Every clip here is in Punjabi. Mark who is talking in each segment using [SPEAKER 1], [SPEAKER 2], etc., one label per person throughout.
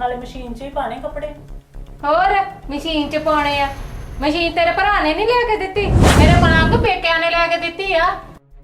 [SPEAKER 1] ਨਾਲੇ ਮਸ਼ੀਨ 'ਚ ਹੀ ਪਾਣੇ ਕੱਪੜੇ।
[SPEAKER 2] ਹੋਰ ਮਸ਼ੀਨ 'ਚ ਪਾਉਣੇ ਆ। ਮਸ਼ੀਨ ਤੇਰੇ ਭਰਾ ਨੇ ਨਹੀਂ ਲਿਆ ਕੇ ਦਿੱਤੀ, ਮੇਰੇ ਮਾਂ ਕੋ ਪੇਕਿਆਂ ਨੇ ਲਿਆ ਕੇ ਦਿੱਤੀ ਆ।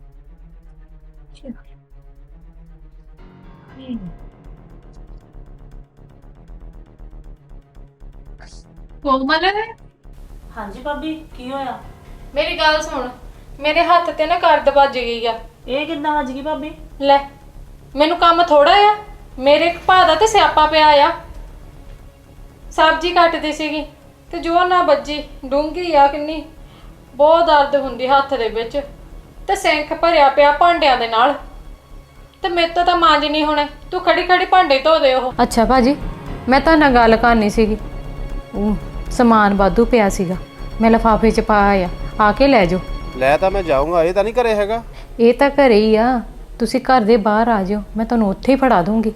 [SPEAKER 2] ਕੋਮਲ,
[SPEAKER 1] ਹਾਂਜੀ ਭਾਬੀ, ਕੀ ਹੋਇਆ?
[SPEAKER 2] ਮੇਰੀ ਗੱਲ ਸੁਣ, ਮੇਰੇ ਹੱਥ ਤੇ ਨਾ ਕਰਦ ਵੱਜ ਗਈ ਆ।
[SPEAKER 1] ਇਹ ਕਿੱਦਾਂ ਵੱਜ ਗਈ ਭਾਬੀ?
[SPEAKER 2] ਲੈ, ਮੈਨੂੰ ਕੰਮ ਥੋੜਾ ਆ, ਮੇਰੇ ਭਾ ਦਾ ਤੇ ਸਿਆਪਾ ਪਿਆ ਆ। ਸਬਜ਼ੀ ਕੱਟਦੀ ਸੀਗੀ ਤੇ ਜੋ ਨਾ ਵੱਜੀ, ਡੂੰਘੀ ਆ ਕਿੰਨੀ, ਬਹੁਤ ਦਰਦ ਹੁੰਦੀ ਹੱਥ ਦੇ ਵਿੱਚ, ਤੇ ਸਿੰਕ ਭਰਿਆ ਪਿਆ ਭਾਂਡਿਆਂ ਦੇ ਨਾਲ, ਤੇ ਮੇਰੇ ਤੋਂ ਤਾਂ ਮਾਂਜ ਨਹੀਂ ਹੋਣੇ। ਤੂੰ ਖੜੀ ਖੜੀ ਭਾਂਡੇ ਧੋ ਦੇ ਉਹ। ਅੱਛਾ ਭਾਜੀ, ਮੈਂ ਤਾਂ ਨਾਲ ਗੱਲ ਕਰਨੀ ਸੀਗੀ। ਸਮਾਨ ਵਾਧੂ ਪਿਆ ਸੀਗਾ, ਮੈਂ ਲਿਫਾਫੇ 'ਚ ਪਾਇਆ ਆ ਕੇ ਲੈ ਜਾਓ।
[SPEAKER 3] ਲੈ ਤਾਂ ਮੈਂ ਜਾਊਂਗਾ, ਇਹ ਤਾਂ ਨਹੀਂ ਘਰੇ ਹੈਗਾ।
[SPEAKER 2] ਇਹ ਤਾਂ ਘਰੇ ਹੀ ਆ, ਤੁਸੀਂ ਘਰ ਦੇ ਬਾਹਰ ਆ ਜਾਓ, ਮੈਂ ਤੁਹਾਨੂੰ ਉੱਥੇ ਹੀ ਫੜਾ ਦੂੰਗੀ।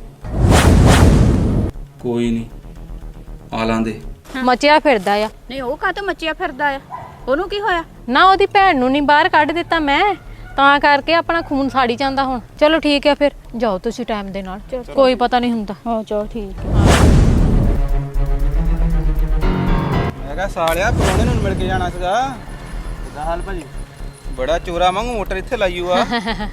[SPEAKER 4] ਕੋਈ ਨਹੀਂ, ਆ ਲਾਂਦੇ।
[SPEAKER 2] ਮਚਿਆ ਫਿਰਦਾ ਆ।
[SPEAKER 5] ਨਹੀਂ ਉਹ ਕਾਹਤੋਂ ਮੱਚਿਆ ਫਿਰਦਾ ਆ? ਉਹਨੂੰ ਕੀ ਹੋਇਆ?
[SPEAKER 2] ਨਾ ਉਹਦੀ ਭੈਣ ਨੂੰ ਨਹੀਂ ਬਾਹਰ ਕੱਢ ਦਿੱਤਾ ਮੈਂ, ਤਾਂ ਕਰਕੇ ਆਪਣਾ ਖੂਨ ਸਾੜੀ ਜਾਂਦਾ ਹੁਣ। ਚਲੋ ਠੀਕ ਹੈ, ਫਿਰ ਜਾਓ ਤੁਸੀਂ ਟਾਈਮ ਦੇ ਨਾਲ, ਕੋਈ ਪਤਾ ਨਹੀਂ ਹੁੰਦਾ।
[SPEAKER 5] ਹਾਂ ਚਲੋ ਠੀਕ ਹੈ।
[SPEAKER 3] ਮੈਂ ਕਿਹਾ ਸਾਲਿਆ ਪਰੋਣੇ ਨੂੰ ਮਿਲ ਕੇ ਜਾਣਾ ਸੀਗਾ। ਕਿੱਦਾਂ ਹਾਲ ਭਾਜੀ? ਬੜਾ ਚੋਰਾ ਵਾਂਗੂ ਮੋਟਰ ਇੱਥੇ ਲਾਈਓ ਆ।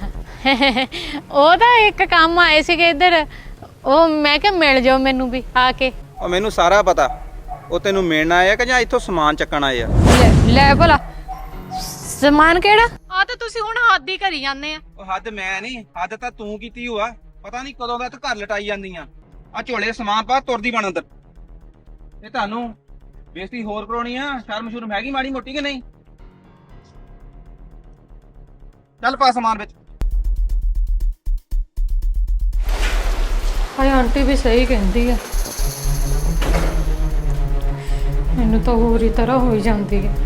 [SPEAKER 2] ਉਹ ਤਾਂ ਇੱਕ ਕੰਮ ਆਏ ਸੀਗੇ ਇੱਧਰ, ਉਹ ਮੈਂ ਕਿਹਾ ਮਿਲ ਜਾਓ ਮੈਨੂੰ ਵੀ ਆ ਕੇ।
[SPEAKER 3] ਉਹ ਮੈਨੂੰ ਸਾਰਾ ਪਤਾ, ਉਹ ਤੈਨੂੰ ਮਿਲਣ ਆਏ ਆ ਕਿ ਜਾਂ ਇੱਥੋਂ ਸਮਾਨ ਚੱਕਣ ਆਏ ਆ?
[SPEAKER 2] ਲੈ ਭਲਾ ਸਮਾਨ ਕਿਹੜਾ? ਆ ਤਾਂ ਤੁਸੀਂ ਹੁਣ ਹੱਦ ਹੀ ਕਰੀ ਜਾਂਦੇ ਆ।
[SPEAKER 3] ਉਹ ਹੱਦ ਮੈਂ ਨਹੀਂ, ਹੱਦ ਤਾਂ ਤੂੰ ਕੀਤੀ ਹੋਆ। ਪਤਾ ਨਹੀਂ ਕਦੋਂ ਦਾ ਤੂੰ ਘਰ ਲਟਾਈ ਜਾਂਦੀ ਆ ਝੋਲੇ ਸਮਾਨ ਪਾ ਤੁਰਦੀ ਬਣ ਅੰਦਰ। ਇਹ ਤੁਹਾਨੂੰ ਬੇਇੱਜ਼ਤੀ ਹੋਰ ਕਰਾਉਣੀ ਆ? ਸ਼ਰਮ ਸ਼ੁਰਮ ਹੈਗੀ ਮਾੜੀ ਮੋਟੀ ਕਿ ਨਹੀਂ? ਚੱਲ ਪਾ ਸਮਾਨ ਵਿੱਚ।
[SPEAKER 2] ਹਾਏ ਆਂਟੀ ਵੀ ਸਹੀ ਕਹਿੰਦੀ ਆ, ਮੈਨੂੰ ਤਾਂ ਹੋਰ ਹੀ ਤਰ੍ਹਾਂ ਹੋਈ ਜਾਂਦੀ ਹੈ।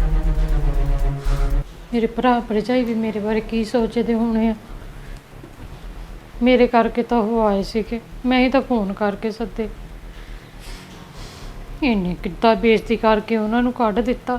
[SPEAKER 2] ਮੇਰੇ ਭਰਾ ਭਰਜਾਈ ਵੀ ਮੇਰੇ ਬਾਰੇ ਕੀ ਸੋਚਦੇ ਹੋਣੇ ਆ। ਮੇਰੇ ਕਰਕੇ ਤਾਂ ਉਹ ਆਏ ਸੀਗੇ, ਮੈਂ ਹੀ ਤਾਂ ਫੋਨ ਕਰਕੇ ਸੱਦੇ। ਇਹਨੇ ਕਿੱਦਾਂ ਬੇਇੱਜ਼ਤੀ ਕਰਕੇ ਉਹਨਾਂ ਨੂੰ ਕੱਢ ਦਿੱਤਾ।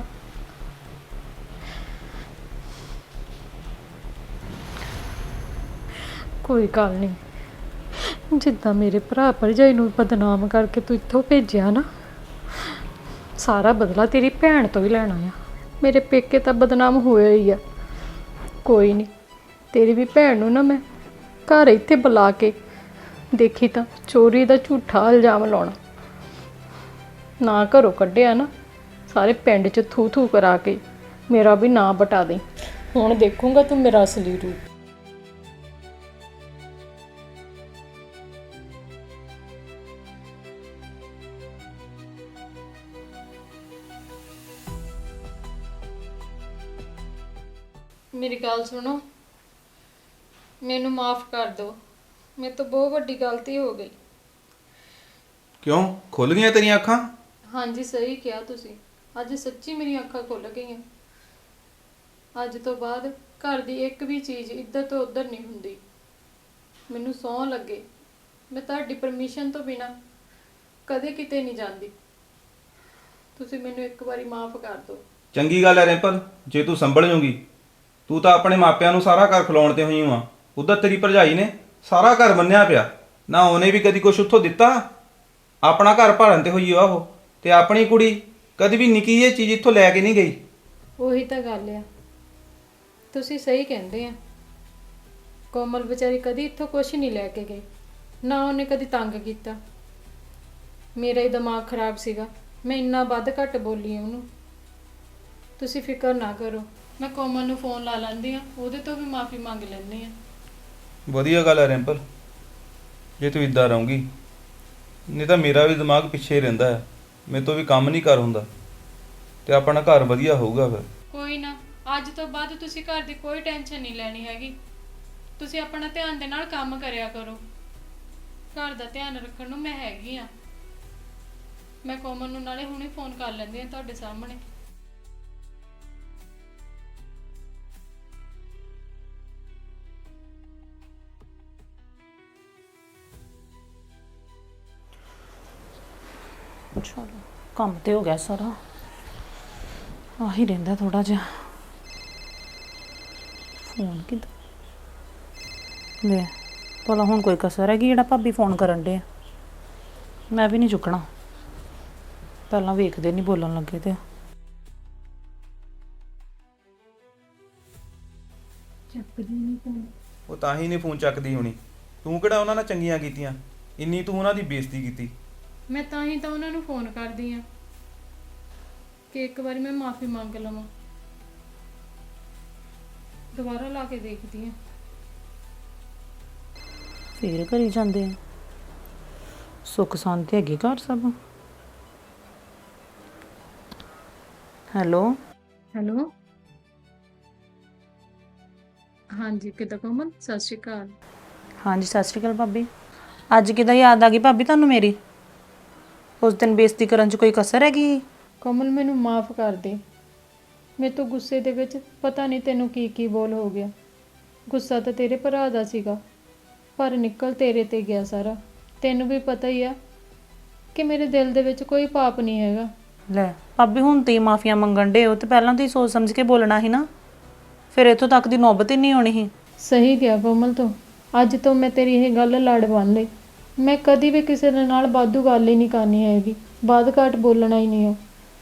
[SPEAKER 2] ਕੋਈ ਗੱਲ ਨਹੀਂ, ਜਿੱਦਾਂ ਮੇਰੇ ਭਰਾ ਭਰਜਾਈ ਨੂੰ ਬਦਨਾਮ ਕਰਕੇ ਤੂੰ ਇੱਥੋਂ ਭੇਜਿਆ ਨਾ, ਸਾਰਾ ਬਦਲਾ ਤੇਰੀ ਭੈਣ ਤੋਂ ਹੀ ਲੈਣਾ ਆ। ਮੇਰੇ ਪੇਕੇ ਤਾਂ ਬਦਨਾਮ ਹੋਇਆ ਹੀ ਆ। ਕੋਈ ਨਹੀਂ, ਤੇਰੀ ਵੀ ਭੈਣ ਨੂੰ ਨਾ ਮੈਂ ਘਰ ਇੱਥੇ ਬੁਲਾ ਕੇ ਦੇਖੀ ਤਾਂ ਚੋਰੀ ਦਾ ਝੂਠਾ ਇਲਜ਼ਾਮ ਲਾਉਣਾ। ਨਾ ਘਰੋਂ ਕੱਢਿਆ ਨਾ, ਸਾਰੇ ਪਿੰਡ 'ਚ ਥੂ ਥੂ ਕਰਾ ਕੇ ਮੇਰਾ ਵੀ ਨਾਂ ਬਟਾ ਦੇ। ਹੁਣ ਦੇਖੂੰਗਾ ਤੂੰ ਮੇਰਾ ਅਸਲੀ ਰੂਪ। ਮੇਰੀ ਗੱਲ ਸੁਣੋ, ਮੈਨੂੰ ਮਾਫ ਕਰ ਦਿਓ, ਮੇਰੇ ਤੋਂ ਬਹੁਤ ਵੱਡੀ ਗਲਤੀ ਹੋ ਗਈ।
[SPEAKER 3] ਕਿਉਂ ਖੁੱਲ ਗਈਆਂ ਤੇਰੀਆਂ ਅੱਖਾਂ?
[SPEAKER 2] ਹਾਂਜੀ ਸਹੀ ਕਿਹਾ ਤੁਸੀਂ, ਅੱਜ ਸੱਚੀ ਮੇਰੀਆਂ ਅੱਖਾਂ ਖੁੱਲ ਗਈਆਂ। ਅੱਜ ਤੋਂ ਬਾਅਦ ਘਰ ਦੀ ਇੱਕ ਵੀ ਚੀਜ਼ ਇੱਧਰ ਤੋਂ ਉੱਧਰ ਨਹੀਂ ਹੁੰਦੀ। ਮੈਨੂੰ ਸਹੁੰ ਲੱਗੇ, ਮੈਂ ਤੁਹਾਡੀ ਪਰਮਿਸ਼ਨ ਤੋਂ ਬਿਨਾਂ ਕਦੇ ਕਿਤੇ ਨਹੀਂ ਜਾਂਦੀ। ਤੁਸੀਂ ਮੈਨੂੰ ਇੱਕ ਵਾਰੀ ਮਾਫ ਕਰ ਦਿਓ।
[SPEAKER 3] ਚੰਗੀ ਗੱਲ ਹੈ ਰਿੰਪਲ, ਜੇ ਤੂੰ ਸੰਭਲ ਜੂਗੀ। ਤੂੰ ਤਾਂ ਆਪਣੇ ਮਾਪਿਆਂ ਨੂੰ ਸਾਰਾ ਘਰ ਖਿਲਾਉਣ ਤੇ ਹੋਈ ਆ। ਉਧਰ ਤੇਰੀ ਭਰਜਾਈ ਨੇ ਸਾਰਾ ਘਰ ਬੰਨਿਆ ਪਿਆ, ਨਾ ਉਹਨੇ ਵੀ ਕਦੀ ਕੁਛ ਉੱਥੋਂ ਦਿੱਤਾ। ਆਪਣਾ ਘਰ ਭਰਨ ਤੇ ਹੋਈ ਆ ਉਹ, ਤੇ ਆਪਣੀ ਕੁੜੀ ਕਦੀ ਵੀ ਨਿੱਕੀ ਜਿਹੀ ਚੀਜ਼ ਇੱਥੋਂ ਲੈ ਕੇ ਨਹੀਂ ਗਈ।
[SPEAKER 2] ਉਹੀ ਤਾਂ ਗੱਲ ਆ, ਤੁਸੀਂ ਸਹੀ ਕਹਿੰਦੇ ਆ। ਕੋਮਲ ਵਿਚਾਰੀ ਕਦੀ ਇੱਥੋਂ ਕੁਛ ਨਹੀਂ ਲੈ ਕੇ ਗਈ, ਨਾ ਉਹਨੇ ਕਦੀ ਤੰਗ ਕੀਤਾ। ਮੇਰਾ ਹੀ ਦਿਮਾਗ ਖਰਾਬ ਸੀਗਾ, ਮੈਂ ਇੰਨਾ ਵੱਧ ਘੱਟ ਬੋਲੀ ਉਹਨੂੰ। ਤੁਸੀਂ ਫਿਕਰ ਨਾ ਕਰੋ, ਮੈਂ ਕੋਮਲ ਨੂੰ ਫੋਨ ਲਾ ਲੈਂਦੀ ਆ, ਉਹਦੇ ਤੋਂ ਵੀ ਮਾਫੀ ਮੰਗ ਲੈਂਦੀ ਆ।
[SPEAKER 3] ਵਧੀਆ ਗੱਲ ਹੈ ਰਿੰਪਲ, ਜੇ ਤੂੰ ਇੱਦਾਂ ਰਹੂੰਗੀ। ਨਹੀਂ ਤਾਂ ਮੇਰਾ ਵੀ ਦਿਮਾਗ ਪਿੱਛੇ ਹੀ ਰਹਿੰਦਾ ਹੈ, ਮੇਰੇ ਤੋਂ ਵੀ ਕੰਮ ਨਹੀਂ ਕਰ ਹੁੰਦਾ, ਤੇ ਆਪਣਾ ਘਰ ਵਧੀਆ ਹੋਊਗਾ ਫਿਰ।
[SPEAKER 2] ਕੋਈ ਨਾ, ਅੱਜ ਤੋਂ ਬਾਅਦ ਤੁਸੀਂ ਘਰ ਦੀ ਕੋਈ ਟੈਨਸ਼ਨ ਨਹੀਂ ਲੈਣੀ ਹੈਗੀ। ਤੁਸੀਂ ਆਪਣਾ ਧਿਆਨ ਦੇ ਨਾਲ ਕੰਮ ਕਰਿਆ ਕਰੋ। ਘਰ ਦਾ ਧਿਆਨ ਰੱਖਣ ਨੂੰ ਮੈਂ ਹੈਗੀ ਆ। ਮੈਂ ਕੋਮਲ ਨੂੰ ਨਾਲੇ ਹੁਣੇ ਫੋਨ ਕਰ ਲੈਂਦੀ ਆ ਤੁਹਾਡੇ ਸਾਹਮਣੇ।
[SPEAKER 1] ਚਲੋ ਕੰਮ ਤੇ ਹੋ ਗਿਆ ਸਾਰਾ, ਆਹੀ ਰਹਿੰਦਾ ਥੋੜਾ ਜਿਹਾ। ਫੋਨ ਕਿੱਦਾਂ ਲੈ ਭਲਾ ਹੁਣ ਕੋਈ ਕਸਰ ਹੈਗੀ ਜਿਹੜਾ ਭਾਬੀ ਫੋਨ ਕਰਨ ਡੇ? ਮੈਂ ਵੀ ਨਹੀਂ ਚੁੱਕਣਾ। ਪਹਿਲਾਂ ਵੇਖਦੇ ਨਹੀਂ ਬੋਲਣ ਲੱਗੇ ਤੇ।
[SPEAKER 3] ਉਹ ਤਾਂ ਹੀ ਨਹੀਂ ਫੋਨ ਚੱਕਦੀ ਹੋਣੀ। ਤੂੰ ਕਿਹੜਾ ਉਹਨਾਂ ਨਾਲ ਚੰਗੀਆਂ ਕੀਤੀਆਂ, ਇੰਨੀ ਤੂੰ ਉਹਨਾਂ ਦੀ ਬੇਇੱਜ਼ਤੀ ਕੀਤੀ।
[SPEAKER 2] ਮੈਂ ਤਾਂ ਹੀ ਤਾਂ ਉਹਨਾਂ ਨੂੰ ਫੋਨ ਕਰਦੀ ਆ ਕਿ ਇੱਕ ਵਾਰੀ ਮੈਂ ਮਾਫੀ ਮੰਗ ਲਵਾਂ। ਦੁਬਾਰਾ ਲਾ ਕੇ ਦੇਖਦੀ ਆ।
[SPEAKER 1] ਫੇਰ ਕਰੀ ਜਾਂਦੇ ਆ। ਸੁੱਖ ਸ਼ਾਂਤੀ ਹੈਗੀ ਘਰ ਸਭ? ਹੈਲੋ
[SPEAKER 2] ਹੈਲੋ, ਹਾਂਜੀ ਕਿੱਦਾਂ ਕੋਮਲ? ਸਤਿ ਸ਼੍ਰੀ ਅਕਾਲ।
[SPEAKER 1] ਹਾਂਜੀ ਸਤਿ ਸ਼੍ਰੀ ਅਕਾਲ ਭਾਬੀ। ਅੱਜ ਕਿੱਦਾਂ ਯਾਦ ਆ ਗਈ ਭਾਬੀ ਤੁਹਾਨੂੰ ਮੇਰੀ? ਉਸ ਦਿਨ ਬੇਇੱਜ਼ਤੀ ਕਰਨ 'ਚ ਕੋਈ ਕਸਰ ਹੈਗੀ?
[SPEAKER 2] ਕੋਮਲ ਮੈਨੂੰ ਮਾਫ ਕਰ ਦੇ। ਮੇਰੇ ਤੋਂ ਗੁੱਸੇ ਦੇ ਵਿੱਚ ਪਤਾ ਨਹੀਂ ਤੈਨੂੰ ਕੀ ਕੀ ਬੋਲ ਹੋ ਗਿਆ। ਗੁੱਸਾ ਤਾਂ ਤੇਰੇ ਭਰਾ ਦਾ ਸੀਗਾ, ਪਰ ਨਿਕਲ ਤੇਰੇ ਤੇ ਗਿਆ ਸਾਰਾ। ਤੈਨੂੰ ਵੀ ਪਤਾ ਹੀ ਆ ਕਿ ਮੇਰੇ ਦਿਲ ਦੇ ਵਿੱਚ ਕੋਈ ਪਾਪ ਨਹੀਂ ਹੈਗਾ।
[SPEAKER 1] ਲੈ ਭਾਬੀ, ਹੁਣ ਤੇ ਮਾਫੀਆਂ ਮੰਗਣ ਡੇ ਹੋ ਤੇ ਪਹਿਲਾਂ ਤੁਸੀਂ ਸੋਚ ਸਮਝ ਕੇ ਬੋਲਣਾ ਸੀ ਨਾ। ਫਿਰ ਇੱਥੋਂ ਤੱਕ ਦੀ ਨੌਬਤ ਹੀ ਨਹੀਂ ਆਉਣੀ ਸੀ।
[SPEAKER 2] ਸਹੀ ਗਿਆ ਕੋਮਲ ਤੋਂ। ਅੱਜ ਤੋਂ ਮੈਂ ਤੇਰੀ ਇਹ ਗੱਲ ਲੜ ਬੰਨ ਲਈ। ਮੈਂ ਕਦੀ ਵੀ ਕਿਸੇ ਦੇ ਨਾਲ ਵਾਧੂ ਗੱਲ ਹੀ ਨਹੀਂ ਕਰਨੀ ਹੈਗੀ, ਬਾਦ ਘਾਟ ਬੋਲਣਾ ਹੀ ਨਹੀਂ।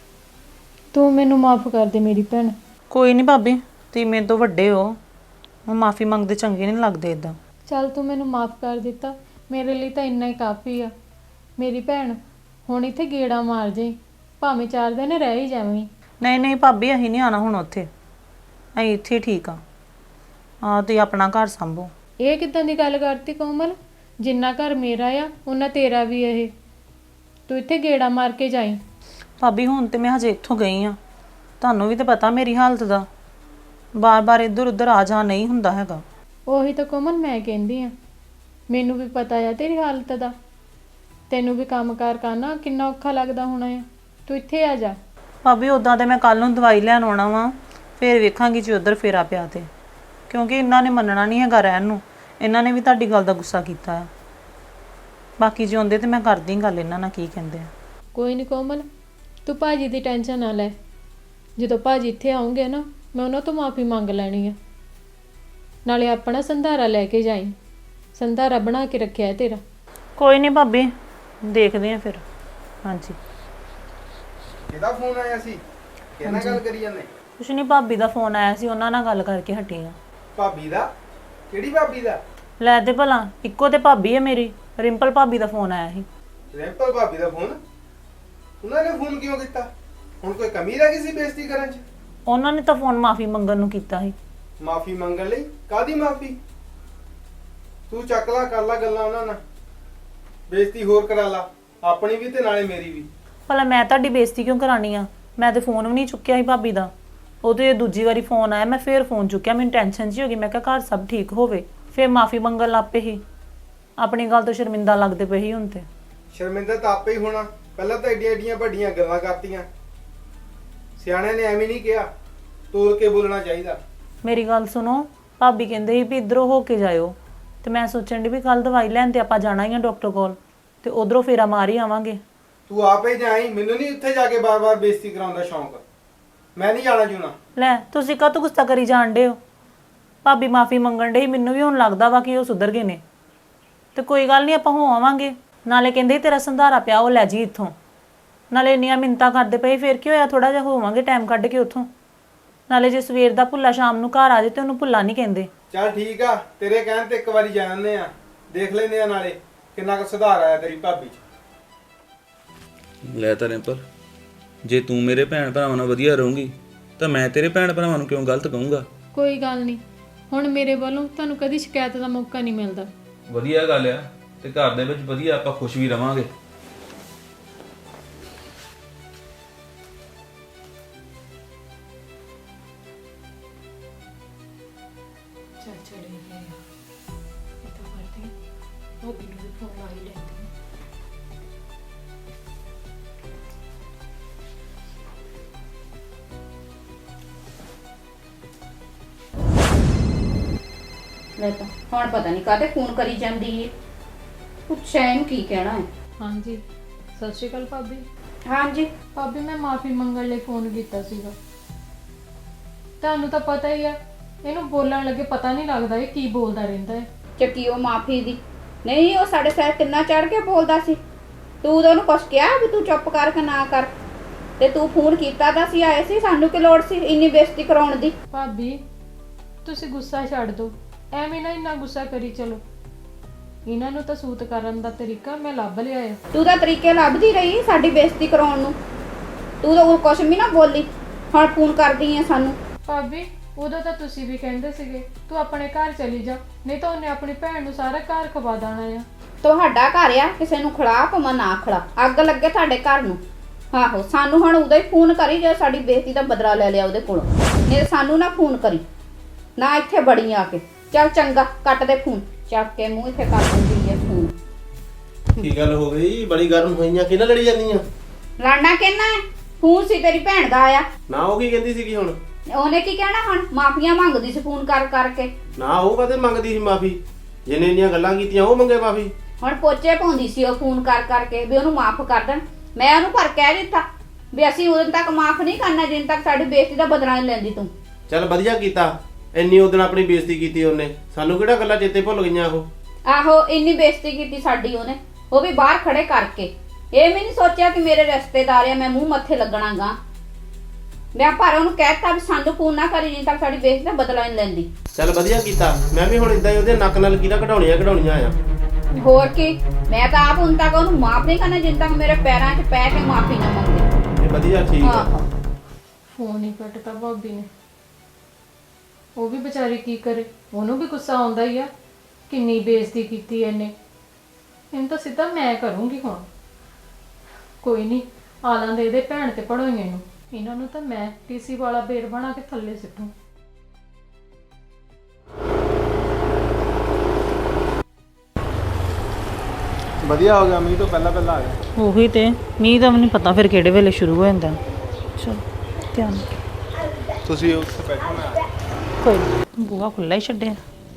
[SPEAKER 2] ਤੂੰ ਮੈਨੂੰ ਮਾਫ ਕਰ ਦੇ ਮੇਰੀ ਭੈਣ।
[SPEAKER 1] ਕੋਈ ਨਹੀਂ ਭਾਬੀ, ਤੁਸੀਂ ਮੇਰੇ ਤੋਂ ਵੱਡੇ ਹੋ, ਮੈਂ ਮਾਫੀ ਮੰਗਦੇ ਚੰਗੇ ਨਹੀਂ ਲੱਗਦੇ ਇਦਾਂ।
[SPEAKER 2] ਚੱਲ ਤੂੰ ਮੈਨੂੰ ਮਾਫ ਕਰ ਦਿੱਤਾ, ਮੇਰੇ ਲਈ ਤਾਂ ਇੰਨਾ ਹੀ ਕਾਫੀ ਆ। ਮੇਰੀ ਭੈਣ ਹੁਣ ਇੱਥੇ ਗੇੜਾ ਮਾਰ ਜਾਈ, ਭਾਵੇਂ 4 ਦਿਨ ਰਹਿ ਹੀ ਜਾਵੀਂ।
[SPEAKER 1] ਨਹੀਂ ਨਹੀਂ ਭਾਬੀ, ਅਸੀਂ ਨਹੀਂ ਆਣਾ ਹੁਣ ਉੱਥੇ। ਅਸੀਂ ਇੱਥੇ ਠੀਕ ਆ। ਤੁਸੀਂ ਆਪਣਾ ਘਰ ਸੰਭੋ।
[SPEAKER 2] ਇਹ ਕਿੱਦਾਂ ਦੀ ਗੱਲ ਕਰਤੀ ਕੋਮਲ? ਜਿੰਨਾ ਘਰ ਮੇਰਾ ਆ ਉਹਨਾਂ ਤੇਰਾ ਵੀ ਇਹ। ਤੂੰ ਇੱਥੇ ਗੇੜਾ ਮਾਰ ਕੇ ਜਾਈਂ।
[SPEAKER 1] ਭਾਬੀ ਹੁਣ ਤੇ ਮੈਂ ਹਜੇ ਇੱਥੋਂ ਗਈ ਆ, ਤੁਹਾਨੂੰ ਵੀ ਤਾਂ ਪਤਾ ਮੇਰੀ ਹਾਲਤ ਦਾ। ਬਾਰ-ਬਾਰ ਇੱਧਰ ਉੱਧਰ ਆ ਜਾ ਨਹੀਂ ਹੁੰਦਾ ਹੈਗਾ।
[SPEAKER 2] ਉਹੀ ਤਾਂ ਕੋਮਲ ਮੈਂ ਕਹਿੰਦੀ ਆ, ਮੈਨੂੰ ਵੀ ਪਤਾ ਆ ਤੇਰੀ ਹਾਲਤ ਦਾ। ਤੈਨੂੰ ਵੀ ਕੰਮਕਾਰ ਕਰਨਾ ਕਿੰਨਾ ਔਖਾ ਲੱਗਦਾ ਹੋਣਾ ਆ। ਤੂੰ ਇੱਥੇ ਆ ਜਾ।
[SPEAKER 1] ਭਾਬੀ ਉਦਾਂ ਤੇ ਮੈਂ ਕੱਲ ਨੂੰ ਦਵਾਈ ਲੈਣ ਆਉਣਾ ਵਾ, ਫਿਰ ਵੇਖਾਂਗੀ ਜੇ ਉੱਧਰ ਫੇਰਾ ਪਿਆ ਤੇ। ਕਿਉਂਕਿ ਇਹਨਾਂ ਨੇ ਮੰਨਣਾ ਨਹੀਂ ਹੈਗਾ ਰਹਿਣ ਨੂੰ। ਇਹਨਾਂ ਨੇ ਵੀ ਤੁਹਾਡੀ ਗੱਲ ਦਾ ਗੁੱਸਾ ਕੀਤਾ ਆ। ਬਾਕੀ ਜੇ ਆਉਂਦੇ ਤੇ ਮੈਂ ਕਰਦੀ ਗੱਲ ਇਹਨਾਂ ਨਾਲ, ਕੀ ਕਹਿੰਦੇ ਆ।
[SPEAKER 2] ਕੋਈ ਨਹੀਂ ਕੋਮਲ, ਤੂੰ ਭਾਜੀ ਦੀ ਟੈਨਸ਼ਨ ਨਾ ਲੈ। ਜਦੋਂ ਭਾਜੀ ਇੱਥੇ ਆਉਂਗੇ ਨਾ, ਮੈਂ ਉਹਨਾਂ ਤੋਂ ਮਾਫੀ ਮੰਗ ਲੈਣੀ ਆ। ਨਾਲੇ ਆਪਣਾ ਸੰਧਾਰਾ ਲੈ ਕੇ ਜਾਈਂ। ਸੰਧਾਰਾ ਬਣਾ ਕੇ ਰੱਖਿਆ ਹੈ ਤੇਰਾ।
[SPEAKER 1] ਕੋਈ ਨਹੀਂ ਭਾਬੀ, ਦੇਖਦੇ ਆ ਫਿਰ। ਹਾਂਜੀ।
[SPEAKER 3] ਕਿਹਦਾ ਫੋਨ ਆਇਆ ਸੀ? ਕਿਹਨਾਂ ਗੱਲ ਕਰੀ ਜਾਂਦੇ?
[SPEAKER 1] ਕੁਛ ਨਹੀਂ, ਭਾਬੀ ਦਾ ਫੋਨ ਆਇਆ ਸੀ, ਉਹਨਾਂ ਨਾਲ ਗੱਲ ਕਰਕੇ ਹਟੀ ਆ।
[SPEAKER 3] ਭਾਬੀ ਦਾ? ਕਿਹੜੀ ਭਾਬੀ ਦਾ?
[SPEAKER 1] ਲੈ ਤੇ ਭਲਾ, ਇੱਕੋ ਤੇ ਭਾਬੀ ਹੈ ਮੇਰੀ। ਰਿੰਪਲ ਭਾਬੀ ਦਾ ਫੋਨ ਆਇਆ ਸੀ।
[SPEAKER 3] ਰਿੰਪਲ ਭਾਬੀ ਦਾ ਫੋਨ? ਉਹਨਾਂ ਨੇ ਫੋਨ ਕਿਉਂ ਕੀਤਾ? ਹੁਣ ਕੋਈ ਕਮੀ ਰਹਿ ਗਈ ਸੀ ਬੇਇੱਜ਼ਤੀ ਕਰਨ 'ਚ?
[SPEAKER 1] ਉਹਨਾਂ ਨੇ ਤਾਂ ਫੋਨ ਮਾਫੀ ਮੰਗਣ ਨੂੰ ਕੀਤਾ ਸੀ।
[SPEAKER 3] ਮਾਫੀ ਮੰਗਣ ਲਈ? ਕਾਦੀ ਮਾਫੀ? ਤੂੰ ਚੱਕ ਲਾ, ਕਰ ਲਾ ਗੱਲਾਂ ਉਹਨਾਂ ਨਾਲ, ਬੇਇੱਜ਼ਤੀ ਹੋਰ ਕਰਾ ਲਾ, ਆਪਣੀ ਵੀ ਤੇ ਨਾਲੇ ਮੇਰੀ ਵੀ।
[SPEAKER 1] ਭਲਾ ਮੈਂ ਤੁਹਾਡੀ ਬੇਇੱਜ਼ਤੀ ਕਿਉਂ ਕਰਾਣੀ ਆ? ਮੈਂ ਤੇ ਫੋਨ ਵੀ ਨਹੀਂ ਚੁੱਕਿਆ ਸੀ ਭਾਬੀ ਦਾ। ਉਹ ਤੇ ਦੂਜੀ ਵਾਰੀ ਫੋਨ ਆਇਆ, ਮੈਂ ਫੇਰ ਫੋਨ ਚੁੱਕਿਆ। ਮੈਨੂੰ ਟੈਨਸ਼ਨ ਜੀ ਹੋ ਗਈ, ਮੈਂ ਕਿਹਾ ਘਰ ਸਭ ਠੀਕ ਹੋਵੇ। ਫੇਰ ਮਾਫੀ ਮੰਗਣ ਲੱਗ ਪਏ ਸੀ। ਆਪਣੀ ਗੱਲ ਤੋਂ ਸ਼ਰਮਿੰਦਾ ਲੱਗਦੇ ਪਏ ਸੀ ਹੁਣ ਤੇ।
[SPEAKER 3] ਸ਼ਰਮਿੰਦਾ ਤਾਂ ਆਪੇ ਹੀ ਹੋਣਾ। ਪਹਿਲਾਂ ਤਾਂ ਏਡੀਆਂ ਏਡੀਆਂ ਵੱਡੀਆਂ ਗੱਲਾਂ ਕਰਤੀਆਂ। ਸਿਆਣਿਆਂ ਨੇ ਐਵੇਂ ਨਹੀਂ ਕਿਹਾ, ਤੋਲ ਕੇ ਬੋਲਣਾ ਚਾਹੀਦਾ।
[SPEAKER 1] ਮੇਰੀ ਗੱਲ ਸੁਣੋ, ਭਾਬੀ ਕਹਿੰਦੇ ਸੀ ਵੀ ਇੱਧਰੋਂ ਹੋ ਕੇ ਜਾਇਓ, ਤੇ ਮੈਂ ਸੋਚਣ ਦੀ ਵੀ ਕੱਲ ਦਵਾਈ ਲੈਣ ਤੇ ਆਪਾਂ ਜਾਣਾ ਹੀ ਆ ਡਾਕਟਰ ਕੋਲ, ਤੇ ਉਧਰੋਂ ਫੇਰਾ ਮਾਰ ਹੀ ਆਵਾਂਗੇ।
[SPEAKER 3] ਤੂੰ ਆਪੇ ਜਾਈ, ਮੈਨੂੰ ਨਹੀਂ ਉੱਥੇ ਜਾ ਕੇ ਬਾਰ-ਬਾਰ ਬੇਇੱਜ਼ਤੀ ਕਰਾਉਣ ਦਾ ਸ਼ੌਂਕ। ਮੈਂ ਨਹੀਂ ਜਾਣਾ ਜੂਣਾ।
[SPEAKER 1] ਲੈ ਤੁਸੀਂ ਕਾਹਤੋਂ ਗੁੱਸਾ ਕਰੀ ਜਾਣ ਡੇ ਹੋ? ਭਾਬੀ ਮਾਫੀ ਮੰਗਣ ਡੇ, ਮੈਨੂੰ ਵੀ ਹੁਣ ਲੱਗਦਾ ਵਾ ਕਿ ਉਹ ਸੁਧਰ ਗਏ ਨੇ। ਤੇ ਕੋਈ ਗੱਲ ਨਹੀਂ, ਆਪਾਂ ਹੋ ਆਵਾਂਗੇ। ਨਾਲੇ ਕਹਿੰਦੇ ਤੇਰਾ ਸੰਧਾਰਾ ਪਿਆ, ਉਹ ਲੈ ਜੀ ਇੱਥੋਂ। ਨਾਲੇ ਇੰਨੀਆਂ ਮਿੰਨਤਾਂ ਕਰਦੇ ਪਏ, ਫਿਰ ਕੀ ਹੋਇਆ? ਥੋੜਾ ਜਿਹਾ ਹੋਵਾਂਗੇ ਟਾਈਮ ਕੱਢ ਕੇ ਉੱਥੋਂ। ਨਾਲੇ ਜੇ ਸਵੇਰ ਦਾ ਭੁੱਲਾ ਸ਼ਾਮ ਨੂੰ ਘਰ ਆ ਜਾਏ ਤੇ ਉਹਨੂੰ ਭੁੱਲਾ ਨਹੀਂ ਕਹਿੰਦੇ।
[SPEAKER 3] ਚੱਲ ਠੀਕ ਆ, ਤੇਰੇ ਕਹਿਣ ਤੇ ਇੱਕ ਵਾਰੀ ਜਾ ਆਉਂਦੇ ਆ, ਦੇਖ ਲੈਂਦੇ ਆ ਨਾਲੇ ਕਿੰਨਾ ਕੁ ਸੁਧਾਰ ਆਇਆ ਤੇਰੀ ਭਾਬੀ 'ਚ।
[SPEAKER 4] ਲੈ ਤਾਂ ਰਿੰਪਲ, ਜੇ ਤੂੰ ਮੇਰੇ ਭੈਣ ਭਰਾਵਾਂ ਨਾਲ ਵਧੀਆ ਰਹੂੰਗੀ ਤਾਂ ਮੈਂ ਤੇਰੇ ਭੈਣ ਭਰਾਵਾਂ ਨੂੰ ਕਿਉਂ ਗਲਤ ਕਹੂੰਗਾ?
[SPEAKER 2] ਕੋਈ ਗੱਲ ਨਹੀਂ, ਹੁਣ ਮੇਰੇ ਵੱਲੋਂ ਤੁਹਾਨੂੰ ਕਦੀ ਸ਼ਿਕਾਇਤ ਦਾ ਮੌਕਾ ਨਹੀਂ ਮਿਲਦਾ।
[SPEAKER 4] ਵਧੀਆ ਗੱਲ ਆ, ਤੇ ਘਰ ਦੇ ਵਿੱਚ ਵਧੀਆ ਆਪਾਂ ਖੁਸ਼ ਵੀ ਰਵਾਂਗੇ।
[SPEAKER 2] ਚੱਲ ਚਲੇ ਗਏ ਆ। ਇਹ ਤਾਂ ਕਰਦੇ ਉਹ ਵੀ ਨੂੰ ਫੋਨ ਆਈ ਲੈਂਦੇ।
[SPEAKER 5] ਲੈ ਤਾਂ ਹੁਣ ਪਤਾ ਨਹੀਂ ਕਾਹਤੇ ਫੋਨ ਕਰੀ ਜਾਂਦੀ ਏ। ਪੁੱਛਿਆ ਇਹਨੂੰ ਕੀ ਕਹਿਣਾ ਹੈ।
[SPEAKER 2] ਹਾਂਜੀ, ਸਤਿ ਸ਼੍ਰੀ ਅਕਾਲ ਭਾਬੀ।
[SPEAKER 5] ਹਾਂਜੀ।
[SPEAKER 2] ਭਾਬੀ ਮੈਂ ਮਾਫੀ ਮੰਗਣ ਲਈ ਫੋਨ ਕੀਤਾ ਸੀਗਾ। ਤੁਹਾਨੂੰ ਤਾਂ ਪਤਾ ਹੀ ਆ, ਇਹਨੂੰ ਬੋਲਣ ਲੱਗੇ ਪਤਾ ਨਹੀਂ ਲੱਗਦਾ ਇਹ ਕੀ ਬੋਲਦਾ ਰਹਿੰਦਾ ਹੈ।
[SPEAKER 5] ਚੱਕੀ ਉਹ ਮਾਫੀ ਦੀ ਨਹੀਂ, ਉਹ ਸਾਡੇ ਸਿਰ ਕਿੰਨਾ ਚੜ ਕੇ ਬੋਲਦਾ ਸੀ। ਤੂੰ ਉਦੋਂ ਨੂੰ ਕੁਛ ਕਿਹਾ ਵੀ ਤੂੰ ਚੁੱਪ ਕਰ ਕੇ ਨਾ ਕਰ? ਤੇ ਤੂੰ ਫੋਨ ਕੀਤਾ ਤਾਂ ਅਸੀਂ ਆਏ ਸੀ, ਸਾਨੂੰ ਕੀ ਲੋੜ ਸੀ ਇੰਨੀ ਬੇਇੱਜ਼ਤੀ ਕਰਾਉਣ ਦੀ?
[SPEAKER 2] ਭਾਬੀ ਤੁਸੀਂ ਗੁੱਸਾ ਛੱਡ ਦਿਓ, ਐਵੇਂ ਨਾ ਇੰਨਾ ਗੁੱਸਾ ਕਰੀ ਚਲੋ। ਇਹਨਾਂ ਨੂੰ ਤਾਂ ਸੂਤ ਕਰਨ ਦਾ ਤਰੀਕਾ ਮੈਂ ਲੱਭ ਲਿਆ ਆ।
[SPEAKER 5] ਤੂੰ ਤਾਂ ਤਰੀਕੇ ਲੱਭਦੀ ਰਹੀ ਸਾਡੀ ਬੇਇੱਜ਼ਤੀ ਕਰਾਉਣ ਨੂੰ। ਤੂੰ ਤਾਂ ਕੁਛ ਵੀ ਨਾ ਬੋਲੀ, ਹੁਣ ਫੋਨ ਕਰਦੀ ਆ ਸਾਨੂੰ।
[SPEAKER 2] ਭਾਬੀ ਉਦੋਂ ਤਾਂ ਤੁਸੀਂ ਵੀ ਕਹਿੰਦੇ ਸੀਗੇ ਤੂੰ ਆਪਣੇ ਘਰ ਚਲੀ ਜਾ, ਨਹੀਂ ਤਾਂ ਉਹਨੇ ਆਪਣੀ ਭੈਣ ਨੂੰ ਸਾਰਾ ਘਰ ਖਵਾ ਦੇਣਾ ਆ।
[SPEAKER 5] ਤੁਹਾਡਾ ਘਰ ਆ, ਕਿਸੇ ਨੂੰ ਖਿਲਾ ਭਾਵੇਂ ਨਾ ਖਿਲਾ, ਅੱਗ ਲੱਗੇ ਤੁਹਾਡੇ ਘਰ ਨੂੰ। ਆਹੋ, ਸਾਨੂੰ ਹੁਣ ਉਦੋਂ ਹੀ ਫੋਨ ਕਰੀ ਜੇ ਸਾਡੀ ਬੇਇੱਜ਼ਤੀ ਦਾ ਬਦਲਾ ਲੈ ਲਿਆ ਉਹਦੇ ਕੋਲੋਂ, ਨਹੀਂ ਤਾਂ ਸਾਨੂੰ ਨਾ ਫੋਨ ਕਰੀ, ਨਾ ਇੱਥੇ ਬੜੀ ਆ ਕੇ। ਚੱਲ ਚੰਗਾ, ਕੱਟ ਦੇ ਫੋਨ, ਚੱਕ ਕੇ ਮੂੰਹ ਇੱਥੇ ਕਰ ਦਿੰਦੀ ਹੈ ਫੋਨ।
[SPEAKER 6] ਕੀ ਗੱਲ ਹੋ ਗਈ? ਬੜੀ ਗਰਮ ਹੋਈਆਂ, ਕਿਹਨਾਂ ਲੜੀ ਜਾਂਦੀਆਂ?
[SPEAKER 5] ਲੜਨਾ ਕਿਹਨਾਂ ਹੈ? ਫੋਨ ਸੀ ਤੇਰੀ ਭੈਣ ਦਾ ਆਇਆ।
[SPEAKER 6] ਨਾ ਉਹ ਕੀ ਕਹਿੰਦੀ ਸੀਗੀ ਹੁਣ?
[SPEAKER 5] ਉਹਨੇ ਕੀ ਕਹਿਣਾ ਹੁਣ? ਮਾਫੀਆਂ ਮੰਗਦੀ ਸੀ ਫੋਨ ਕਰ ਕਰਕੇ।
[SPEAKER 6] ਨਾ ਉਹ ਕਦੇ ਮੰਗਦੀ ਸੀ ਮਾਫੀ? ਜਿਹਨੇ ਇੰਨੀਆਂ ਗੱਲਾਂ ਕੀਤੀਆਂ ਉਹ ਮੰਗੇ ਮਾਫੀ?
[SPEAKER 5] ਹੁਣ ਪੋਚੇ ਪਾਉਂਦੀ ਸੀ ਉਹ ਫੋਨ ਕਰ ਕਰਕੇ ਵੀ ਉਹਨੂੰ ਮਾਫ ਕਰ ਦੇਣ। ਮੈਂ ਉਹਨੂੰ ਪਰ ਕਹਿ ਦਿੱਤਾ ਵੀ ਅਸੀਂ ਉਦੋਂ ਤੱਕ ਮਾਫ ਨਹੀਂ ਕਰਨਾ ਜਿੰਨ ਤੱਕ ਸਾਡੀ ਬੇਇੱਜ਼ਤੀ ਦਾ ਬਦਲਾ ਨਹੀਂ ਲੈਂਦੀ ਤੂੰ।
[SPEAKER 6] ਚੱਲ ਵਧੀਆ ਕੀਤਾ, ਇੰਨੀ ਉਦੋਂ ਆਪਣੀ ਬੇਇੱਜ਼ਤੀ ਕੀਤੀ ਉਹਨੇ, ਸਾਨੂੰ ਕਿਹੜਾ ਗੱਲਾਂ ਚੇਤੇ ਭੁੱਲ ਗਈਆਂ ਉਹ?
[SPEAKER 5] ਆਹੋ, ਇੰਨੀ ਬੇਇੱਜ਼ਤੀ ਕੀਤੀ ਸਾਡੀ ਉਹਨੇ, ਉਹ ਵੀ ਬਾਹਰ ਖੜੇ ਕਰਕੇ। ਇਹ ਵੀ ਨਹੀਂ ਸੋਚਿਆ ਕਿ ਮੇਰੇ ਰਿਸ਼ਤੇਦਾਰ ਆ, ਮੈਂ ਮੂੰਹ ਮੱਥੇ ਲੱਗਣਾਗਾ। ਮੈਂ ਪਰ ਉਹਨੂੰ ਕਹਿਤਾ ਵੀ ਸਾਨੂੰ ਫੋਨ ਨਾ ਕਰੀ ਜਿੰਨ ਤੱਕ ਸਾਡੀ ਬੇਇੱਜ਼ਤੀ ਦਾ ਬਦਲਾ ਨਹੀਂ ਲੈਂਦੀ।
[SPEAKER 6] ਚੱਲ ਵਧੀਆ ਕੀਤਾ, ਮੈਂ ਵੀ ਹੁਣ ਇਦਾਂ ਹੀ ਉਹਦੇ ਨੱਕ ਨਾਲ ਕੀੜਾ ਕਢਾਉਣੀਆਂ ਆ।
[SPEAKER 5] ਹੋਰ ਕੀ, ਮੈਂ ਤਾਂ ਆਪ ਹੁਣ ਤੱਕ ਉਹਨੂੰ ਮਾਫ ਨਹੀਂ ਕਰਨਾ ਜਿੰਨ ਤੱਕ ਮੇਰੇ ਪੈਰਾਂ 'ਚ ਪੈ ਕੇ ਮਾਫੀ ਨਾ ਮੰਗੇ।
[SPEAKER 6] ਇਹ ਵਧੀਆ, ਠੀਕ ਆ।
[SPEAKER 5] ਆਹੋ,
[SPEAKER 2] ਫੋਨ ਹੀ ਕੱਟਤਾ ਭਾਬੀ ਨੇ। ਉਹ ਵੀ ਵਿਚਾਰੀ ਕੀ ਕਰੇ, ਉਹਨੂੰ ਵੀ ਗੁੱਸਾ ਆਉਂਦਾ ਹੀ ਆ, ਕਿੰਨੀ ਬੇਇੱਜ਼ਤੀ ਕੀਤੀ ਇਹਨੇ। ਇਹਨੂੰ ਤਾਂ ਸਿੱਧਾ ਮੈਂ ਕਰੂੰਗੀ ਹੁਣ। ਕੋਈ ਨਹੀਂ, ਆਲਾਂ ਦੇ ਇਹਦੇ ਭੈਣ ਤੇ ਪੜੋਈਆਂ ਨੂੰ, ਇਹਨਾਂ ਨੂੰ ਤਾਂ ਮੈਂ ਟੀਸੀ ਵਾਲਾ ਬੇਰ ਬਣਾ ਕੇ ਥੱਲੇ ਸਿੱਟੂ।
[SPEAKER 3] ਵਧੀਆ ਹੋ ਗਿਆ, ਮੀਂਹ ਤੋਂ ਪਹਿਲਾਂ ਪਹਿਲਾਂ ਆ ਗਿਆ।
[SPEAKER 1] ਉਹੀ ਤੇ, ਮੀਂਹ ਦਾ ਵੀ ਨਹੀਂ ਪਤਾ ਫਿਰ ਕਿਹੜੇ ਵੇਲੇ ਸ਼ੁਰੂ ਹੋ ਜਾਂਦਾ। ਚਲੋ ਧਿਆਨ ਨਾਲ।
[SPEAKER 3] ਤੁਸੀਂ ਉੱਥੇ ਬੈਠੋ, ਮੈਂ
[SPEAKER 1] ਕੋਈ ਨੀ, ਬੂਹਾ ਖੁੱਲਾ ਹੀ ਛੱਡਿਆ।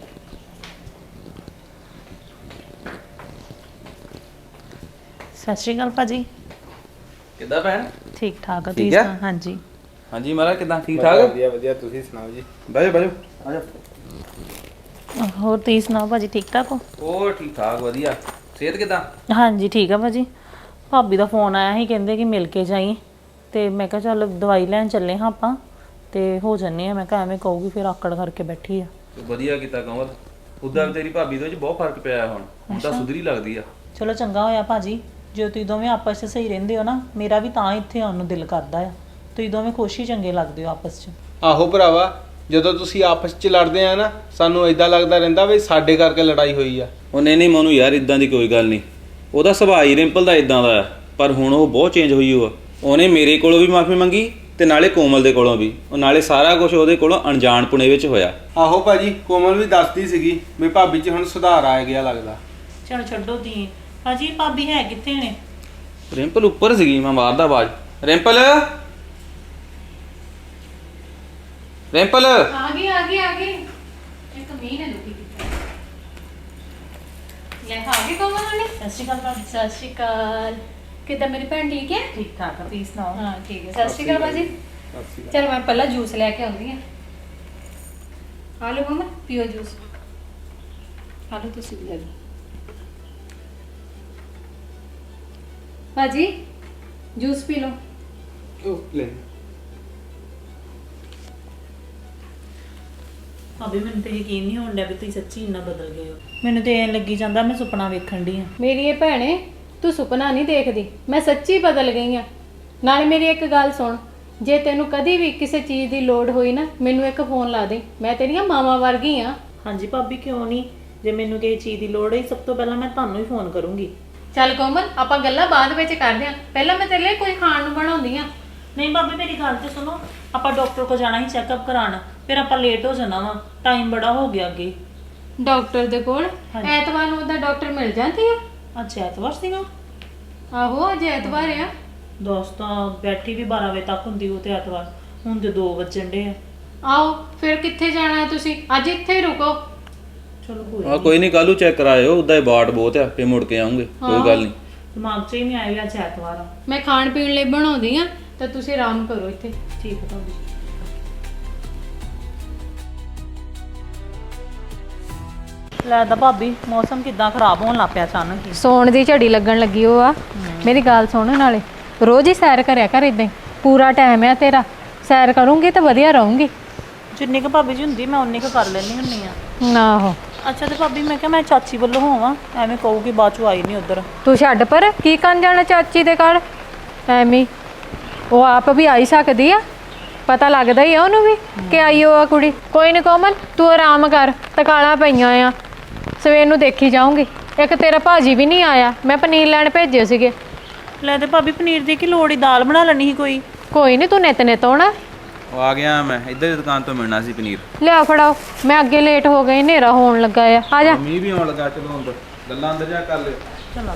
[SPEAKER 1] ਸਤਿ ਸ਼੍ਰੀ ਅਕਾਲ ਭਾਜੀ।
[SPEAKER 4] ਕਿੱਦਾਂ ਭੈਣ?
[SPEAKER 1] ਠੀਕ ਠਾਕ ਆ
[SPEAKER 4] ਠੀਕ
[SPEAKER 1] ਤੁਸੀਂ
[SPEAKER 4] ਆ?
[SPEAKER 1] ਸੁਣਾਓ? ਹਾਂਜੀ
[SPEAKER 4] ਹਾਂਜੀ ਮਹਾਰਾਜ, ਕਿੱਦਾਂ? ਠੀਕ ਠਾਕ?
[SPEAKER 3] ਵਧੀਆ ਵਧੀਆ, ਤੁਸੀਂ ਸੁਣਾਓ ਜੀ।
[SPEAKER 4] ਬਾਜੋ ਬਾਜੋ ਆ ਜਾ।
[SPEAKER 1] ਹੋਰ ਤੁਸੀਂ ਸੁਣਾਓ ਭਾਜੀ, ਠੀਕ ਠਾਕ ਹੋ?
[SPEAKER 4] ਹੋਰ ਠੀਕ ਠਾਕ, ਵਧੀਆ। ਸਿਹਤ ਕਿੱਦਾਂ?
[SPEAKER 1] ਹਾਂਜੀ ਠੀਕ ਆ ਭਾਜੀ। ਭਾਬੀ ਦਾ ਫੋਨ ਆਇਆ ਸੀ, ਕਹਿੰਦੇ ਕਿ ਮਿਲ ਕੇ ਜਾਈ, ਤੇ ਮੈਂ ਕਿਹਾ ਚੱਲ ਦਵਾਈ ਲੈਣ ਚੱਲੇ ਹਾਂ ਆਪਾਂ, ਤੇ ਹੋ ਜੰਨੇ ਆ। ਮੈਂ ਕਿਹਾ ਐਵੇਂ ਕਹੂਗੀ ਫਿਰ ਆਕੜ ਕਰਕੇ ਬੈਠੀ ਆ।
[SPEAKER 4] ਵਧੀਆ ਕੀਤਾ ਕਮਲ, ਉਦਾਂ ਤੇਰੀ ਭਾਬੀ ਦੇ ਵਿੱਚ ਬਹੁਤ ਫਰਕ ਪਿਆ ਹੁਣ ਤਾਂ ਸੁਧਰੀ ਲੱਗਦੀ ਆ।
[SPEAKER 1] ਚਲੋ ਚੰਗਾ ਹੋਇਆ ਭਾਜੀ, ਜੇ ਤੁਸੀਂ ਦੋਵੇਂ ਆਪਸ 'ਚ ਸਹੀ ਰਹਿੰਦੇ ਹੋ ਨਾ, ਮੇਰਾ ਵੀ ਤਾਂ ਇੱਥੇ ਆਉਣ ਨੂੰ ਦਿਲ ਕਰਦਾ ਆ। ਤੁਸੀਂ ਦੋਵੇਂ ਖੁਸ਼ ਹੀ ਚੰਗੇ ਲੱਗਦੇ ਹੋ ਆਪਸ 'ਚ।
[SPEAKER 7] ਆਹੋ ਭਰਾਵਾ, ਜਦੋਂ ਤੁਸੀਂ ਆਪਸ 'ਚ ਲੜਦੇ ਆ ਨਾ, ਸਾਨੂੰ ਇਦਾਂ ਲੱਗਦਾ ਰਹਿੰਦਾ ਵੀ ਸਾਡੇ ਕਰਕੇ ਲੜਾਈ ਹੋਈ ਆ।
[SPEAKER 4] ਉਹ ਨਹੀਂ ਮੋਨੂੰ ਯਾਰ, ਇਦਾਂ ਦੀ ਕੋਈ ਗੱਲ ਨਹੀਂ। ਉਹਦਾ ਸੁਭਾਅ ਹੀ ਰਿੰਪਲ ਦਾ ਇਦਾਂ ਦਾ ਆ, ਪਰ ਹੁਣ ਉਹ ਬਹੁਤ ਚੇਂਜ ਹੋਈ ਉਹ। ਉਹਨੇ ਮੇਰੇ ਕੋਲੋਂ ਵੀ ਮਾਫੀ ਮੰਗੀ ਤੇ ਨਾਲੇ ਕੋਮਲ ਦੇ ਕੋਲੋਂ ਵੀ। ਉਹ ਨਾਲੇ ਸਾਰਾ ਕੁਝ ਉਹਦੇ ਕੋਲੋਂ ਅਣਜਾਣਪੁਣੇ ਵਿੱਚ ਹੋਇਆ।
[SPEAKER 7] ਆਹੋ ਭਾਜੀ, ਕੋਮਲ ਵੀ ਦੱਸਦੀ ਸੀਗੀ ਵੀ ਭਾਬੀ 'ਚ ਹੁਣ ਸੁਧਾਰ ਆ ਗਿਆ ਲੱਗਦਾ।
[SPEAKER 1] ਚਲੋ ਛੱਡੋ ਤੀ ਭਾਜੀ, ਭਾਬੀ ਹੈ ਕਿੱਥੇ ਨੇ?
[SPEAKER 4] ਰਿੰਪਲ ਉੱਪਰ ਸੀਗੀ, ਮੈਂ ਮਾਰਦਾ ਆਵਾਜ਼। ਰਿੰਪਲ ਰਿੰਪਲ
[SPEAKER 2] ਆ ਗਈ ਇੱਕ ਮੀਂਹ ਨੇ ਦੁਖੀ ਕੀਤਾ। ਲੈ ਆ ਗਈ ਕੋਮਲ ਵਾਲੀ।
[SPEAKER 1] ਸਤਿ ਸ਼੍ਰੀ ਅਕਾਲ ਭਾਬੀ।
[SPEAKER 2] ਸਤਿ ਸ਼੍ਰੀ ਅਕਾਲ। ਕਿੱਦਾਂ ਮੇਰੀ ਭੈਣ ਠੀਕ ਹੈ?
[SPEAKER 1] ਠੀਕ ਠਾਕ ਆ, ਤੁਸੀਂ ਸੁਣਾਓ?
[SPEAKER 2] ਹਾਂ ਠੀਕ ਹੈ। ਸਤਿ ਸ਼੍ਰੀ ਅਕਾਲ ਬਾਜੀ। ਚਲ ਮੈਂ ਪਹਿਲਾਂ ਜੂਸ ਲੈ ਕੇ ਆਉਂਦੀ ਹਾਂ। ਆ ਲਓ ਮਮਾ, ਪੀਓ ਜੂਸ। ਆ ਲਓ ਤੁਸੀਂ ਵੀ ਲੈ ਲਓ। ਬਾਜੀ ਜੂਸ ਪੀ ਲਓ।
[SPEAKER 7] ਉਹ ਲੈ।
[SPEAKER 1] ਭਾਬੀ ਮੈਨੂੰ ਤੇ ਯਕੀਨ ਨਹੀਂ ਹੋਣ ਡਿਆ ਵੀ ਤੁਸੀਂ ਸੱਚੀ ਇੰਨਾ ਬਦਲ ਗਏ ਹੋ। ਮੈਨੂੰ ਤੇ ਐਂ ਲੱਗੀ ਜਾਂਦਾ ਮੈਂ ਸੁਪਨਾ ਵੇਖਣ ਡਈ ਆ।
[SPEAKER 2] ਮੇਰੀ ਇਹ ਭੈਣੇ, ਤੂੰ ਸੁਪਨਾ ਨਹੀਂ ਦੇਖਦੀ, ਮੈਂ ਸੱਚੀ ਬਦਲ ਗਈ ਆ। ਨਾਲੇ ਮੇਰੀ ਇੱਕ ਗੱਲ ਸੁਣ, ਜੇ ਤੈਨੂੰ ਕਦੀ ਵੀ ਕਿਸੇ ਚੀਜ਼ ਦੀ ਲੋੜ ਹੋਈ ਨਾ, ਮੈਨੂੰ ਇੱਕ ਫੋਨ ਲਾ ਦੇ। ਮੈਂ ਤੇਰੀਆਂ ਮਾਵਾਂ ਵਰਗੀ ਆ।
[SPEAKER 1] ਹਾਂਜੀ ਭਾਬੀ, ਕਿਉਂ ਨਹੀਂ। ਜੇ ਮੈਨੂੰ ਕਿਸੇ ਚੀਜ਼ ਦੀ ਲੋੜ ਹੈ, ਸਭ ਤੋਂ ਪਹਿਲਾਂ ਮੈਂ ਤੁਹਾਨੂੰ ਹੀ ਫੋਨ ਕਰੂੰਗੀ।
[SPEAKER 2] ਚੱਲ ਕੋਮਲ, ਆਪਾਂ ਗੱਲਾਂ ਬਾਅਦ ਵਿੱਚ ਕਰਦੇ ਆਂ, ਪਹਿਲਾਂ ਮੈਂ ਤੇਰੇ ਲਈ ਕੋਈ ਖਾਣ ਨੂੰ ਬਣਾਉਂਦੀ ਆ।
[SPEAKER 1] ਨਹੀਂ ਭਾਬੀ, ਮੇਰੀ ਗੱਲ ਤੇ ਸੁਣੋ। ਆਪਾਂ ਡਾਕਟਰ ਕੋਲ ਜਾਣਾ ਹੀ ਚੈੱਕਅਪ ਕਰਾਉਣ, ਫਿਰ ਆਪਾਂ ਲੇਟ ਹੋ ਜਾਣਾ ਵਾ, ਟਾਈਮ ਬੜਾ ਹੋ ਗਿਆ ਅੱਗੇ।
[SPEAKER 2] ਡਾਕਟਰ ਦੇ ਕੋਲ
[SPEAKER 1] ਹਾਂਜੀ।
[SPEAKER 2] ਐਤਵਾਰ ਨੂੰ ਉਹਦਾ ਡਾਕਟਰ ਮਿਲ ਜਾਂਦੀ ਆ।
[SPEAKER 1] ਅੱਜ ਐਤਵਾਰ ਸੀਗਾ?
[SPEAKER 2] ਆਹੋ ਅੱਜ ਐਤਵਾਰ ਆ।
[SPEAKER 1] ਦੋਸਤਾਂ ਬੈਠੀ ਵੀ 12 ਵਜੇ ਤੱਕ ਹੁੰਦੀ ਉਹ ਤੇ ਐਤਵਾਰ, ਹੁਣ ਤੇ 2 ਵੱਜਣ ਡੇ ਆ।
[SPEAKER 2] ਆਓ ਫਿਰ ਕਿੱਥੇ ਜਾਣਾ ਹੈ ਤੁਸੀਂ? ਅੱਜ ਇੱਥੇ ਹੀ ਰੁਕੋ।
[SPEAKER 1] ਚਲੋ
[SPEAKER 4] ਕੋਈ ਨਹੀਂ, ਕੱਲ੍ਹ ਨੂੰ ਚੈੱਕ ਕਰਾਇਓ। ਉਦਾਂ ਹੀ ਬਾਟ ਬਹੁਤ ਆ, ਫੇ ਮੁੜ ਕੇ ਆਉਂਗੇ, ਕੋਈ ਗੱਲ ਨਹੀਂ।
[SPEAKER 1] ਦਿਮਾਗ 'ਚ ਹੀ ਨਹੀਂ ਆਇਆ ਵੀ ਅੱਜ ਐਤਵਾਰ ਆ।
[SPEAKER 2] ਮੈਂ ਖਾਣ ਪੀਣ ਲਈ ਬਣਾਉਂਦੀ ਆ, ਤਾਂ ਤੁਸੀਂ ਆਰਾਮ ਕਰੋ ਇੱਥੇ।
[SPEAKER 1] ਠੀਕ ਹੈ ਭਾਬੀ। ਲੈ ਤਾਂ ਭਾਬੀ ਮੌਸਮ ਕਿਦਾਂ ਖਰਾਬ ਹੋਣ ਲੱਗ ਪਿਆ ਅਚਾਨਕ ਹੀ।
[SPEAKER 2] ਸੌਣ ਦੀ ਝੜੀ ਲੱਗਣ ਲੱਗੀ ਉਹ ਆ। ਮੇਰੀ ਗੱਲ ਸੁਣ, ਨਾਲੇ ਰੋਜ਼ ਹੀ ਸੈਰ ਕਰਿਆ ਕਰ ਇਦਾਂ ਹੀ। ਪੂਰਾ ਟਾਈਮ ਆ ਤੇਰਾ, ਸੈਰ ਕਰੂੰਗੀ ਤਾਂ ਵਧੀਆ ਰਹੂੰਗੀ।
[SPEAKER 1] ਜਿੰਨੀ ਕੁ ਭਾਬੀ ਜੀ ਹੁੰਦੀ ਮੈਂ ਉਨੀ ਕੁ ਕਰ ਲੈਣੀ ਹੁੰਨੀ ਆ।
[SPEAKER 2] ਆਹੋ,
[SPEAKER 1] ਅੱਛਾ ਤੇ ਭਾਬੀ ਮੈਂ ਕਿਹਾ ਮੈਂ ਚਾਚੀ ਵੱਲੋਂ ਹੋਵਾਂ, ਐਵੇਂ ਕਹੂਗੀ ਬਾਅਦ ਚੋਂ ਆਈ ਨਹੀਂ ਉਧਰ।
[SPEAKER 2] ਤੂੰ ਛੱਡ ਪਰ, ਕੀ ਕਰਨ ਜਾਣਾ ਚਾਚੀ ਦੇ ਘਰ ਐਵੇਂ। ਉਹ ਆਪ ਵੀ ਆਈ ਸਕਦੀ ਆ, ਪਤਾ ਲੱਗਦਾ ਹੀ ਆ ਉਹਨੂੰ ਵੀ ਕਿ ਆਈ ਉਹ ਆ ਕੁੜੀ। ਕੋਈ ਨਹੀਂ ਕੋਮਲ, ਤੂੰ ਆਰਾਮ ਕਰ, ਤਕਾਲਾਂ ਪਈਆਂ ਆ, ਸਵੇਰ ਨੂੰ ਦੇਖੀ ਜਾਊਂਗੀ। ਇੱਕ ਤੇਰਾ ਭਾਜੀ ਵੀ ਨਹੀਂ ਆਇਆ, ਮੈਂ ਪਨੀਰ ਲੈਣ ਭੇਜੇ ਸੀਗੇ।
[SPEAKER 1] ਲੈ ਤੇ ਭਾਬੀ ਪਨੀਰ ਦੀ ਕੀ ਲੋੜ ਹੀ, ਦਾਲ ਬਣਾ ਲੈਣੀ ਸੀ ਕੋਈ।
[SPEAKER 2] ਕੋਈ ਨਹੀਂ, ਤੂੰ ਨਿਤ ਆਉਣਾ।
[SPEAKER 4] ਉਹ ਆ ਗਿਆ ਮੈਂ, ਇੱਧਰ ਦੀ ਦੁਕਾਨ ਤੋਂ ਮਿਲਣਾ ਸੀ ਪਨੀਰ।
[SPEAKER 2] ਲਿਆ ਫੜਾਓ, ਮੈਂ ਅੱਗੇ ਲੇਟ ਹੋ ਗਈ, ਹਨੇਰਾ ਹੋਣ ਲੱਗਾ ਆ ਜਾ।
[SPEAKER 4] ਮੀਂਹ ਵੀ ਆਉਣ ਲੱਗਾ, ਚਲੋ ਅੰਦਰ ਗੱਲਾਂ ਅੰਦਰ ਜਾ ਕਰ ਲਿਓ।
[SPEAKER 1] ਚਲੋ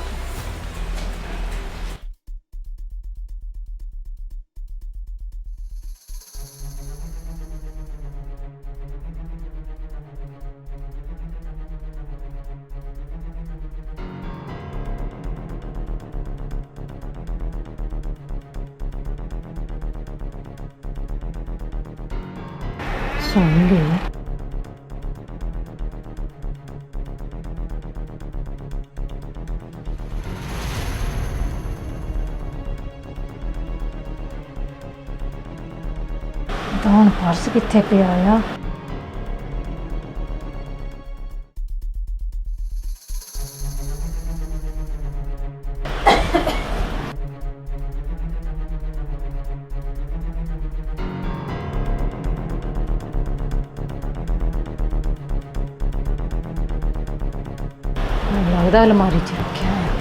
[SPEAKER 2] ਸੁਣ ਗਈ। ਤਾਂ ਹੁਣ ਪਰਸ ਕਿੱਥੇ ਪਿਆ ਆ? ਮੈਨੂੰ ਲੱਗਦਾ ਅਲਮਾਰੀ 'ਚ ਰੱਖਿਆ ਆ।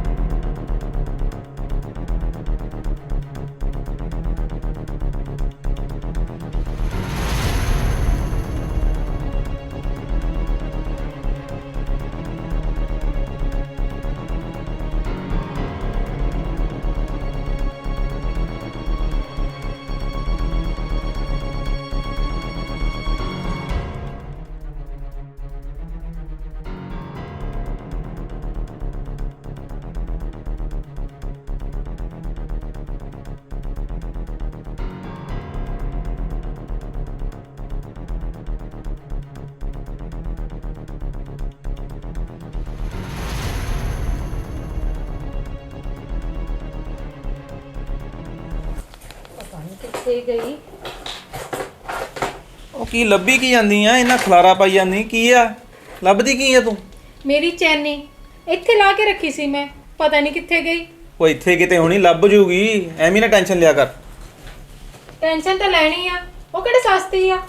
[SPEAKER 2] ਕਿੱਥੇ ਗਈ?
[SPEAKER 4] ਉਹ ਕੀ ਲੱਭੀ ਕੀ ਜਾਂਦੀ ਆ, ਇਹਨਾਂ ਖਲਾਰਾ ਪਾਈ ਜਾਂਦੀ ਕੀ ਆ? ਲੱਭਦੀ ਕੀ ਆ ਤੂੰ?
[SPEAKER 2] ਮੇਰੀ ਚੈਨੀ ਇੱਥੇ ਲਾ ਕੇ ਰੱਖੀ ਸੀ ਮੈਂ, ਪਤਾ ਨਹੀਂ ਕਿੱਥੇ ਗਈ।
[SPEAKER 4] ਉਹ ਇੱਥੇ ਕਿਤੇ ਹੋਣੀ, ਲੱਭ ਜੂਗੀ, ਐਵੇਂ ਨਾ ਟੈਨਸ਼ਨ ਲਿਆ ਕਰ।
[SPEAKER 2] ਟੈਨਸ਼ਨ ਤਾਂ ਲੈਣੀ ਆ, ਉਹ ਕਿਹੜੇ ਸਸਤੀ ਆ।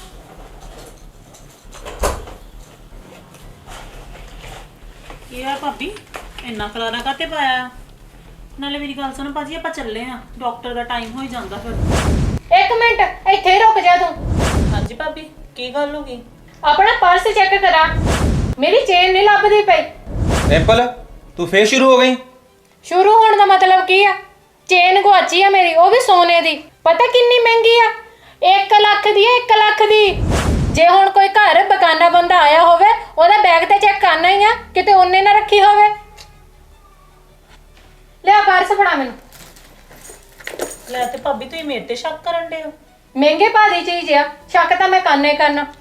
[SPEAKER 1] ਕੀ ਆ ਭਾਬੀ, ਇੰਨਾ ਖਲਾਰਾ ਕਾਤੇ ਪਾਇਆ? ਨਾਲੇ ਮੇਰੀ ਗੱਲ ਸੁਣ ਭਾਜੀ, ਆਪਾਂ ਚੱਲੇ ਆ, ਡਾਕਟਰ ਦਾ ਟਾਈਮ ਹੋ ਹੀ ਜਾਂਦਾ ਫਿਰ।
[SPEAKER 2] ਇੱਕ ਮਿੰਟ ਇੱਥੇ ਹੀ ਰੁਕ ਜਾ ਤੂੰ।
[SPEAKER 1] ਹਾਂਜੀ ਭਾਬੀ, ਕੀ ਗੱਲ ਹੋ ਗਈ?
[SPEAKER 2] ਆਪਣਾ ਪਰਸ ਚੈੱਕ ਕਰਾ, ਮੇਰੀ ਚੇਨ ਨਹੀਂ ਲੱਭਦੀ ਪਈ।
[SPEAKER 4] ਰਿੰਪਲ, ਤੂੰ ਫੇਰ ਸ਼ੁਰੂ ਹੋ ਗਈ?
[SPEAKER 2] ਸ਼ੁਰੂ ਹੋਣ ਦਾ ਮਤਲਬ ਕੀ ਆ? ਚੇਨ ਗੁਆਚੀ ਆ ਮੇਰੀ, ਉਹ ਵੀ ਸੋਨੇ ਦੀ। ਪਤਾ ਕਿੰਨੀ ਮਹਿੰਗੀ ਆ? 1 ਲੱਖ ਦੀ ਆ, 1 ਲੱਖ ਦੀ। ਜੇ ਹੁਣ ਕੋਈ ਘਰ ਬਗਾਨਾ ਬੰਦਾ ਆਇਆ ਹੋਵੇ, ਉਹਦਾ ਬੈਗ ਤੇ ਚੈੱਕ ਕਰਨਾ ਹੀ ਆ, ਕਿਤੇ ਉਹਨੇ ਨਾ ਰੱਖੀ ਹੋਵੇ। ਲਿਆ ਪਰਸ ਫੜਾ ਮੈਨੂੰ।
[SPEAKER 1] ਲੈ ਤੇ ਭਾਬੀ ਤੁਸੀਂ ਮੇਰੇ ਤੇ ਸ਼ੱਕ ਕਰਨ ਦੇ ਹੋ?
[SPEAKER 2] ਮਹਿੰਗੇ ਭਾਅ ਦੀ ਚੀਜ਼ ਆ, ਸ਼ੱਕ ਤਾਂ ਮੈਂ ਕਰਨਾ ਹੀ ਕਰਨਾ।